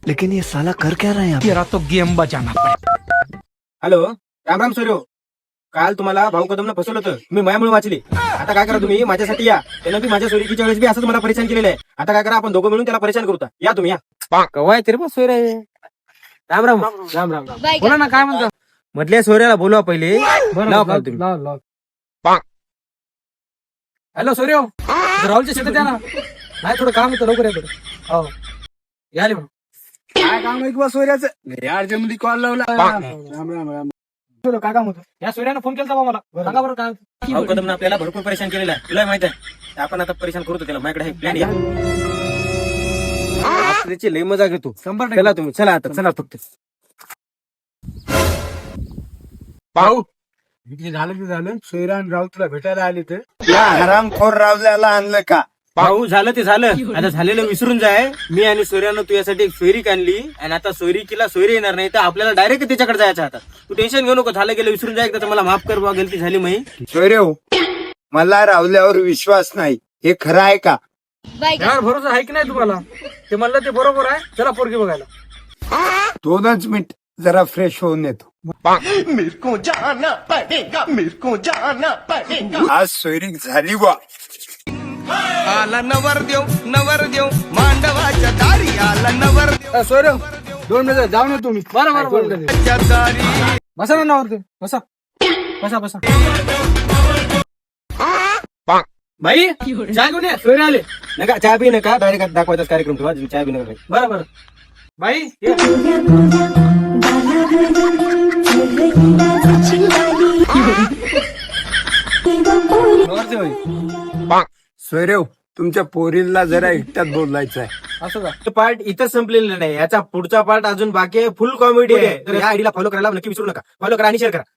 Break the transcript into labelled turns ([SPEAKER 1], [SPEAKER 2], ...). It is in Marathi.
[SPEAKER 1] लेकिन ये साला कर क्या रहा है यहाँ पे?
[SPEAKER 2] तेरा तो गेम बजाना पड़ेगा.
[SPEAKER 3] हॅलो, राम राम सूर्यो. काल तुम्हाला भाऊ कदमनं फसवलं होतं, मी मायामुळे वाचली. आता काय करा तुम्ही माझ्यासाठी या. त्यानं बी माझ्या सोयरीकीच्या वेळेस बी असंच मला परेशान केलेलं आहे. आता काय करा आपण दोघं मिळून त्याला परेशान करू. या तुम्ही या. कवाय तरी पण सोयरे. राम राम राम राम.
[SPEAKER 2] बोला ना काय म्हणता.
[SPEAKER 3] मधल्या सोयऱ्याला बोलवा पहिले. लावा call तुम्ही.
[SPEAKER 2] हॅलो सूर्य, राहुलच्या शेतात या ना. नाही थोडं काम होतं, लवकर येतो. हो या रे.
[SPEAKER 4] काय काम आहे किंवा सोयऱ्याचं घरी अर्जंटमध्ये कॉल लावला. राम राम राम. काय काम होतं?
[SPEAKER 2] या सूर्यानं फोन केला मला. सांगा बरं काय.
[SPEAKER 3] भाऊ कदमनं आपल्याला भरपूर परेशान केलेलं आहे, तुला माहित आहे. आपण आता परेशान करतो त्याला. माझ्याकडे प्लॅन या. त्याची लई मजा घेतो.
[SPEAKER 2] 100%
[SPEAKER 3] चला तुम्ही, चला आता चला फक्त.
[SPEAKER 4] भाऊ इथे झालं की झालं. सोयरा आणि राव तुला भेटायला आले तर हरामखोर रावल्याला आणलं का?
[SPEAKER 3] भाऊ झालं ते झालं, आता झालेलं विसरून जाय. मी आणि सोयऱ्यानं तुझ्यासाठी एक सोयरीक आणली आणि आता सोयरीकीला सोयरी येणार नाही तर आपल्याला डायरेक्ट त्याच्याकडे जायचं. आता तू टेन्शन घेऊ नको, झालं गेलं विसरून जाय. एकदा मला माफ कर बा, गलती झाली मी.
[SPEAKER 4] सोयरे मला रावल्यावर विश्वास नाही, हे खरं आहे का?
[SPEAKER 2] यावर भरोसा आहे की नाही तुम्हाला? ते म्हणलं ते बरोबर आहे. चला पोरगी बघायला.
[SPEAKER 4] 2च मिनिट जरा फ्रेश होऊन येतो. आज सोयरीक झाली बा.
[SPEAKER 5] आला नवरदेव मांडवाच्या दारी आला नवरदेव
[SPEAKER 4] सोयरे 2 मिनिट जाऊन येतो मी.
[SPEAKER 2] बरं
[SPEAKER 5] दारी.
[SPEAKER 2] बसा ना नावर. बसा बसा बसा.
[SPEAKER 3] भाई चहा घेऊन ये. सोयरे आले. नका चहा पी नका, डायरेक्ट दाखवायचा कार्यक्रम ठेवा. चहा पी नका.
[SPEAKER 2] बरं बरं. बाई ये.
[SPEAKER 4] सोयरे तुमच्या पोरीला जरा एकट्यात बोलायचं आहे.
[SPEAKER 2] असं का?
[SPEAKER 3] तो पार्ट इथं संपलेला नाही, याचा पुढचा पार्ट अजून बाकी आहे. फुल कॉमेडी आहे. तर या आयडीला फॉलो करायला नक्की विसरू नका. फॉलो करा आणि शेअर करा.